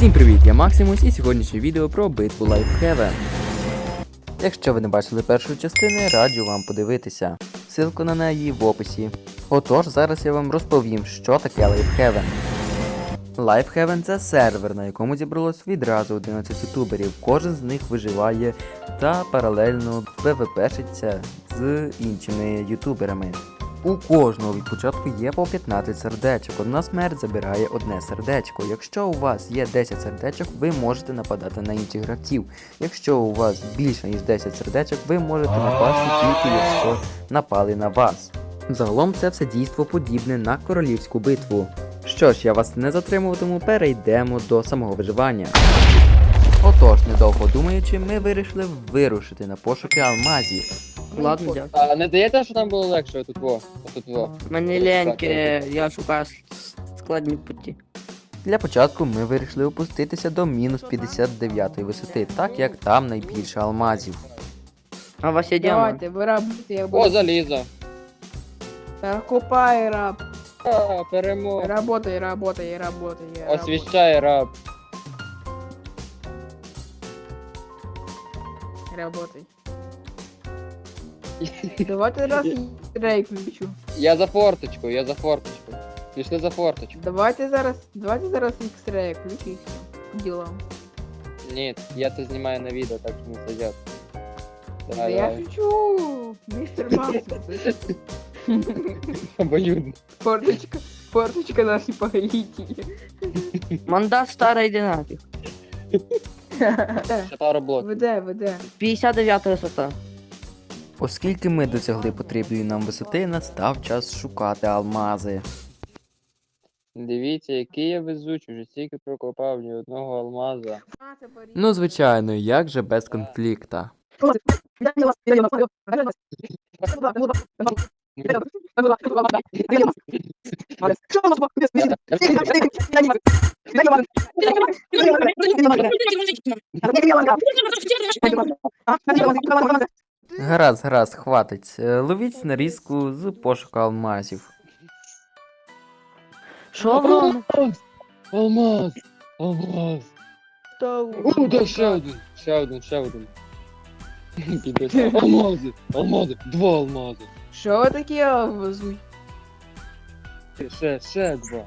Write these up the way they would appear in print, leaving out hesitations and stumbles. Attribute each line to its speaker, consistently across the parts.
Speaker 1: Всім привіт, я Максимус і сьогоднішнє відео про битву Лайфхевен. Якщо ви не бачили першої частини, раджу вам подивитися. Ссылку на неї в описі. Отож, зараз я вам розповім, що таке Лайфхевен. Лайфхевен – це сервер, на якому зібралось відразу 11 ютуберів. Кожен з них виживає та паралельно ПВПшиться з іншими ютуберами. У кожного від початку є по 15 сердечок. Одна смерть забирає одне сердечко. Якщо у вас є 10 сердечок, ви можете нападати на інших гравців. Якщо у вас більше ніж 10 сердечок, ви можете напасти тільки якщо напали на вас. Загалом це все дійство подібне на королівську битву. Що ж, я вас не затримуватиму, перейдемо до самого виживання. Отож, недовго думаючи, ми вирішили вирушити на пошуки алмазів.
Speaker 2: Ладно, дякую.
Speaker 3: А не даєте, що там було легше отут во? Отут во.
Speaker 2: Мені ляньки, я шукаю складні путі.
Speaker 1: Для початку ми вирішили опуститися до мінус 59 висоти, так як там найбільше алмазів.
Speaker 2: А у вас є діамант?
Speaker 4: Давайте, виробити, я
Speaker 3: О,
Speaker 4: буду.
Speaker 3: залізо.
Speaker 4: Копай, раб.
Speaker 3: А, перемога.
Speaker 4: Работай, работай, работай.
Speaker 3: Освіщай раб.
Speaker 4: Работай. Давайте раз рейк включу.
Speaker 3: Я за форточку, я за форточку. Пішли за форточку.
Speaker 4: Давайте зараз X-Ray включи і все. Ділам.
Speaker 3: Ні, я це знімаю на відео, так що не сидять.
Speaker 4: Да я шучу, мистер Максим.
Speaker 3: Обоюдно.
Speaker 4: Форточка наші повелителі.
Speaker 2: Мандат старий динамік.
Speaker 3: Ще пару блоків.
Speaker 4: Веде.
Speaker 2: 59 висота.
Speaker 1: Оскільки ми досягли потрібної нам висоти, настав час шукати алмази.
Speaker 3: Дивіться, який я везучий, вже стільки прокопав ні одного алмаза.
Speaker 1: Ну, звичайно, як же без конфлікта. Гаразд, хватить. Ловіть нарізку з пошуку алмазів.
Speaker 2: Що вам?
Speaker 3: Алмаз! Алмаз! О, да, ще один. Піде. Алмази, два алмази.
Speaker 4: Що ви такі везуть?
Speaker 3: Ще два.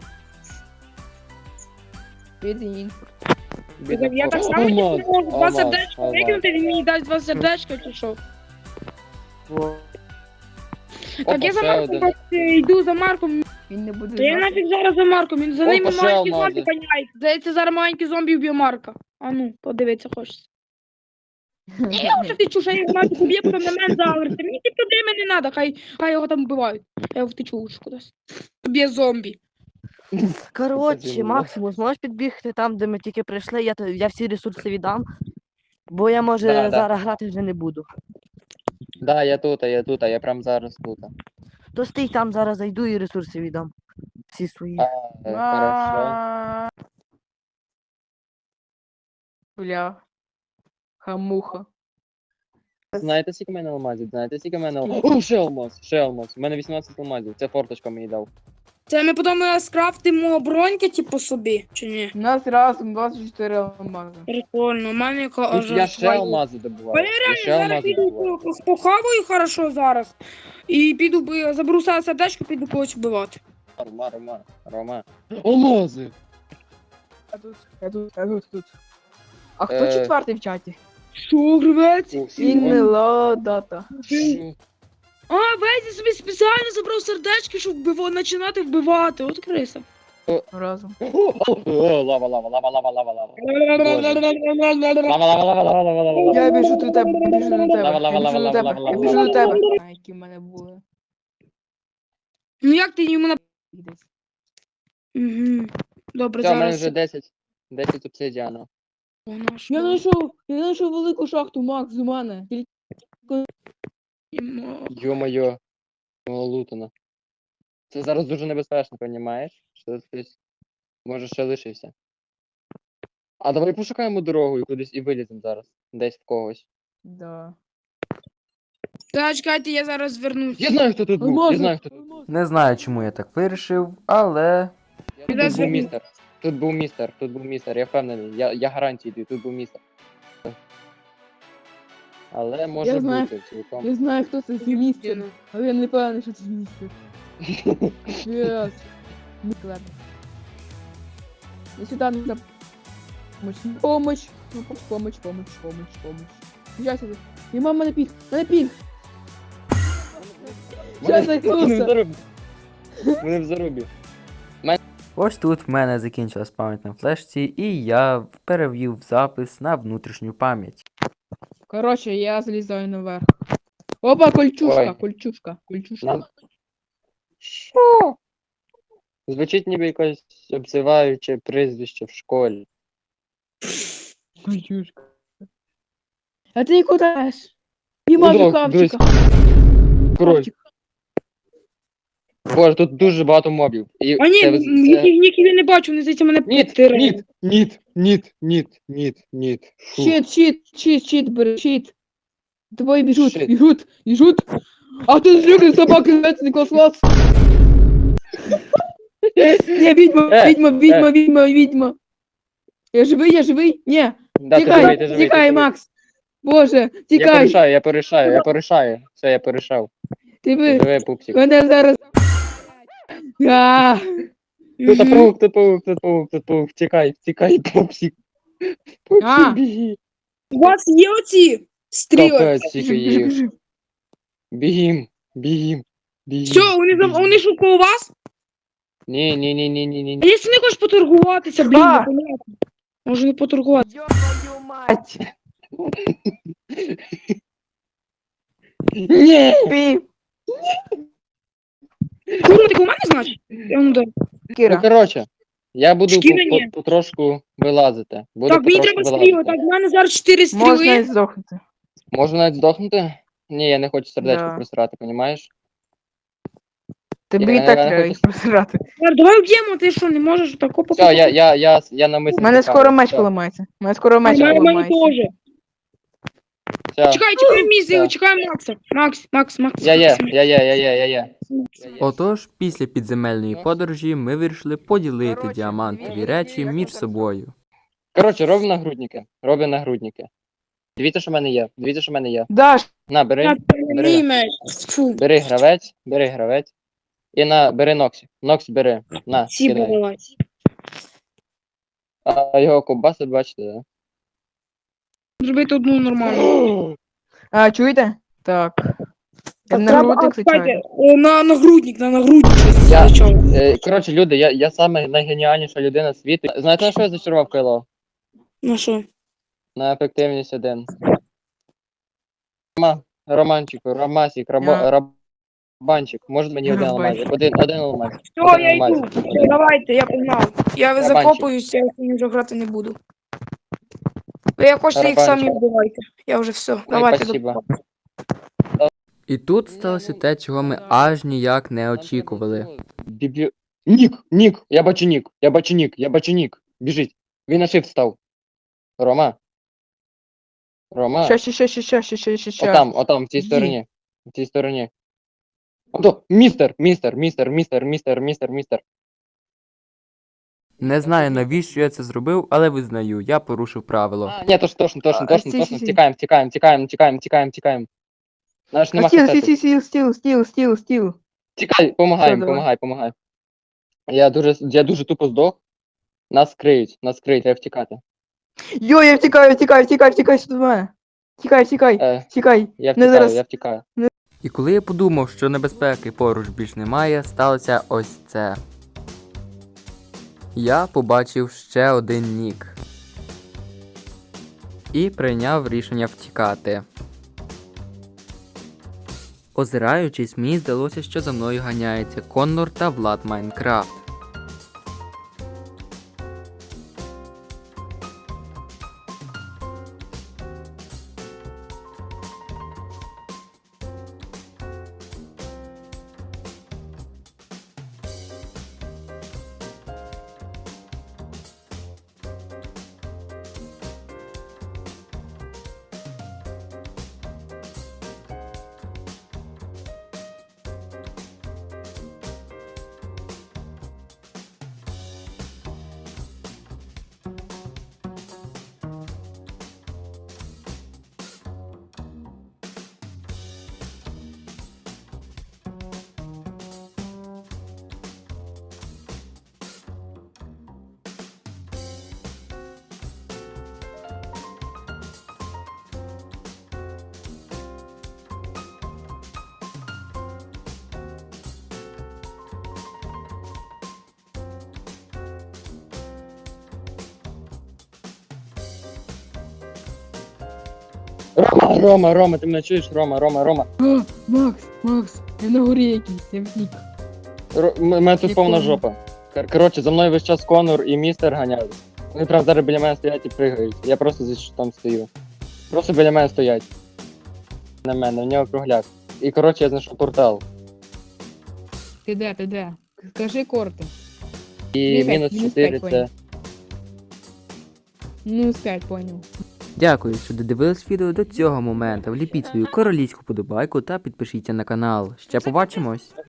Speaker 4: Піде інфор.
Speaker 5: Я так само не можу два сердечка викинути, він мені дасть два сердечка чи що. Так я за Марком йду за Марком.
Speaker 4: Він не буде
Speaker 5: Та я
Speaker 4: знати.
Speaker 5: нафіг зараз за Марком, він за
Speaker 3: Опа,
Speaker 5: ними
Speaker 3: ще
Speaker 5: маленький
Speaker 3: алмази.
Speaker 5: зомбі ганяє. Здається, зараз маленький зомбі вб'є Марка. А ну, подивитися хочеться. Я вже втечу, що я його нафіг уб'є, потім на мене заговориться. Мені ті проблеми не треба, хай його там вбивають. Я його втечу лучше кудись. Уб'є зомбі.
Speaker 2: Коротше, Максимус, можеш підбігти там, де ми тільки прийшли, я всі ресурси віддам. Бо я, може,
Speaker 3: Да.
Speaker 2: зараз грати вже не буду.
Speaker 3: Да, я тут, я прям зараз тут.
Speaker 2: То стій там, зараз зайду і ресурси віддам. Всі свої.
Speaker 3: Хорошо.
Speaker 4: Бля. Хамуха.
Speaker 3: Знаєте, скільки в мене алмазів? О, ще алмаз. У мене 18 алмазів, це форточка мені дав.
Speaker 5: Це ми потім скрафтимо броньки, типу, собі, чи ні?
Speaker 4: У нас разом 24 алмази.
Speaker 5: Прикольно, у мене
Speaker 3: Я ще алмази добуваю. Я ще
Speaker 5: Зараз
Speaker 3: алмази
Speaker 5: піду
Speaker 3: добуваю.
Speaker 5: похаваю хорошо зараз. І піду заберу сердечко, піду когось вбивати.
Speaker 3: Рома. Алмази!
Speaker 4: Я тут. А хто
Speaker 3: Е.
Speaker 4: четвертий в чаті?
Speaker 5: Що, гривець?
Speaker 4: Інмела дата.
Speaker 5: А, Везі собі спеціально забрав сердечки, щоб починати вбивати. От криса.
Speaker 4: Разом.
Speaker 3: О, лава.
Speaker 4: Я біжу до тебе, я біжу до тебе. Я біжу до тебе. А, які в мене були.
Speaker 5: Ну як ти йому на...
Speaker 4: Десь.
Speaker 5: Угу. Добре,
Speaker 3: Все, в мене
Speaker 5: зараз.
Speaker 3: вже 10 обсидіану.
Speaker 5: Вона ж
Speaker 4: Я знайшов велику шахту, Макс, у мене.
Speaker 3: Йо-моє. Лутано. Це зараз дуже небезпечно, понімаєш? Що хтось може ще лишився. А давай пошукаємо дорогу і кудись і виліземо зараз. Десь в когось.
Speaker 4: Да.
Speaker 5: Та чекайте, я зараз вернусь.
Speaker 3: Я знаю, хто тут був. Я знаю, хто тут був.
Speaker 1: Не знаю, чому я так вирішив, але
Speaker 3: Я тут був містер. Тут був містер, я впевнений. Я гарантію даю, тут був містер. Але може
Speaker 4: Я знаю.
Speaker 3: бути цілком.
Speaker 4: Я знаю, хто це за містер, але я не певний, що це містер. Yes. Ладно. Я сюда нужно помощь. Помощь. Сейчас это. И мама на пик. Щас
Speaker 3: Вони в
Speaker 4: зайдуся.
Speaker 3: зарубі. Вони в зарубі.
Speaker 1: Ось тут в мене закінчилась пам'ять на флешці, і я перевів запис на внутрішню пам'ять.
Speaker 4: Короче, я залезаю наверх. Опа, кольчушка,
Speaker 3: Ой.
Speaker 4: кольчушка.
Speaker 3: Нам- Що? Звучить ніби якось обзиваюче прізвище в школі.
Speaker 4: Кольчушка. А ты куда идешь? Мимо
Speaker 3: Ну,
Speaker 4: Кавчика.
Speaker 3: Король. Боже, тут дуже багато мобів. І
Speaker 5: А ні,
Speaker 3: це-
Speaker 5: ніки я не бачу, вони здається мене
Speaker 3: Ніт,
Speaker 5: підтирають.
Speaker 3: ніт. Фу.
Speaker 4: Щит, бери, щит. Тобой
Speaker 3: Щит.
Speaker 4: бежут. А ты злюка собака, называется Николас Лац. Не, ведьма. Я живый? Не,
Speaker 3: Да, ти живий, ти живий, ти
Speaker 4: тикай,
Speaker 3: живий.
Speaker 4: Макс. Боже,
Speaker 3: Я
Speaker 4: тикай.
Speaker 3: порішаю. Все, я порішав.
Speaker 4: Ти
Speaker 3: Ти
Speaker 4: ви,
Speaker 3: живий, пупсик.
Speaker 4: мене зараз... А,
Speaker 3: Тут паук. Тікай, пупсик.
Speaker 4: А.
Speaker 3: Пупсик, біги.
Speaker 5: У вас є оці стріли?
Speaker 3: Капець, тільки їх.
Speaker 4: біжи.
Speaker 3: Бігім.
Speaker 5: Все, вони ж коло вас?
Speaker 3: Ні.
Speaker 5: А якщо не хочеш поторгуватися, блін,
Speaker 4: А.
Speaker 5: непонятно. Може не поторгуватися.
Speaker 4: Твою мать.
Speaker 3: Ні.
Speaker 4: Пі.
Speaker 5: Курва, ти коло мене, значить? Я ну, да.
Speaker 3: Ну,
Speaker 4: Кіра.
Speaker 3: коротше, я буду
Speaker 5: Шкіра ні.
Speaker 3: потрошку вилазити.
Speaker 5: Так, мені треба стріли, так, в мене зараз 4
Speaker 4: Можна і
Speaker 5: стріли.
Speaker 4: здохнути.
Speaker 3: Можна навіть здохнути? Ні, я не хочу сердечко
Speaker 4: Да.
Speaker 3: просирати, понімаєш?
Speaker 4: Тобі
Speaker 3: Я
Speaker 4: і так
Speaker 3: не
Speaker 4: треба
Speaker 3: хочу-
Speaker 4: їх просирати.
Speaker 5: Давай вб'ємо, ти що, не можеш тако
Speaker 3: Все, я намисно.
Speaker 4: У мене
Speaker 3: тікаю.
Speaker 4: скоро меч
Speaker 3: Все,
Speaker 4: поламається. У мене скоро
Speaker 5: У
Speaker 4: меч
Speaker 5: мене
Speaker 4: поламається.
Speaker 5: теж.
Speaker 3: все.
Speaker 5: Чекай, мій сил,
Speaker 3: Так.
Speaker 5: чекай Макса. Макс.
Speaker 3: Я є.
Speaker 1: Отож, після підземельної подорожі ми вирішили поділити
Speaker 4: Коротше,
Speaker 1: діамантові
Speaker 4: дивіться,
Speaker 1: речі
Speaker 4: як
Speaker 1: між
Speaker 4: ми так
Speaker 1: собою.
Speaker 3: Коротше, роби нагрудники. Дивіться, що в мене є.
Speaker 4: Даш,
Speaker 3: На, бери.
Speaker 5: Мій меч. Фу,
Speaker 3: Бери гравець. І бери Ноксі. Ноксі бери. На,
Speaker 5: ці
Speaker 3: кидай.
Speaker 5: давай.
Speaker 3: А його ковбаси, бачите, да?
Speaker 5: Зробити одну нормальну.
Speaker 4: а, чуєте? Так. Я
Speaker 5: Так,
Speaker 4: на
Speaker 5: треба,
Speaker 4: грудник
Speaker 5: чекайте,
Speaker 4: звичайно.
Speaker 5: на нагрудник щось
Speaker 3: Я-
Speaker 5: зачав.
Speaker 3: Коротше, люди, я саме найгеніальніша людина світу. Знаєте, на що я зачарував Кайло?
Speaker 5: На що?
Speaker 3: На ефективність 1. Романчику, Ромасік, Рабанчик. Може мені один
Speaker 4: Рабанчик.
Speaker 3: алмазик? Один алмаз.
Speaker 5: Все, я йду. Все, давайте, я погнав. Я
Speaker 3: Барабанчик.
Speaker 5: закопуюся, я сьогодні вже грати не буду. Ви як хочете їх самі
Speaker 3: Барабанчик.
Speaker 5: вбивайте. Я вже все. Давайте.
Speaker 3: спасибо.
Speaker 1: І тут сталося те, чого ми аж ніяк не очікували.
Speaker 3: Нік! Я бачу нік. Біжить. Він на shift став. Рома.
Speaker 4: Ща.
Speaker 3: Отам, в цій
Speaker 4: Іди.
Speaker 3: стороні. Ото, містер.
Speaker 1: Не знаю, навіщо я це зробив, але визнаю, я порушив правило.
Speaker 3: Ні, точно.
Speaker 4: Сі.
Speaker 3: Тікаємо. Наш нема хрестати.
Speaker 4: Стіл.
Speaker 3: Тікай,
Speaker 4: Все,
Speaker 3: помагай. Я дуже тупо здох. Нас криють, треба втікати.
Speaker 4: Йо, я втікаю сюди до мене. Тікай.
Speaker 3: Я
Speaker 4: Не зараз.
Speaker 3: втікаю.
Speaker 1: І коли я подумав, що небезпеки поруч більш немає, сталося ось це. Я побачив ще один нік. І прийняв рішення втікати. Озираючись, мені здалося, що за мною ганяється Коннор та Влад Майнкрафт.
Speaker 3: Рома, ти мене чуєш? Рома.
Speaker 4: А, Макс, я на горі якийсь, я втік.
Speaker 3: Мене тут повна
Speaker 4: Якому?
Speaker 3: жопа. Коротше, за мною весь час Конор і містер ганяють. Вони прям зараз біля мене стоять і пригають. Я просто здесь там стою. Просто біля мене стоять. На мене, в нього кругляк. І коротше я знайшов портал.
Speaker 4: Ти де? Скажи корти.
Speaker 3: І
Speaker 4: Мінус
Speaker 3: мінус
Speaker 4: п'ять,
Speaker 3: 4
Speaker 4: мінус
Speaker 3: це.
Speaker 4: Ну, 5, понял.
Speaker 1: Дякую, що додивились відео до цього моменту. Вліпіть свою королівську подобайку та підпишіться на канал. Ще побачимось!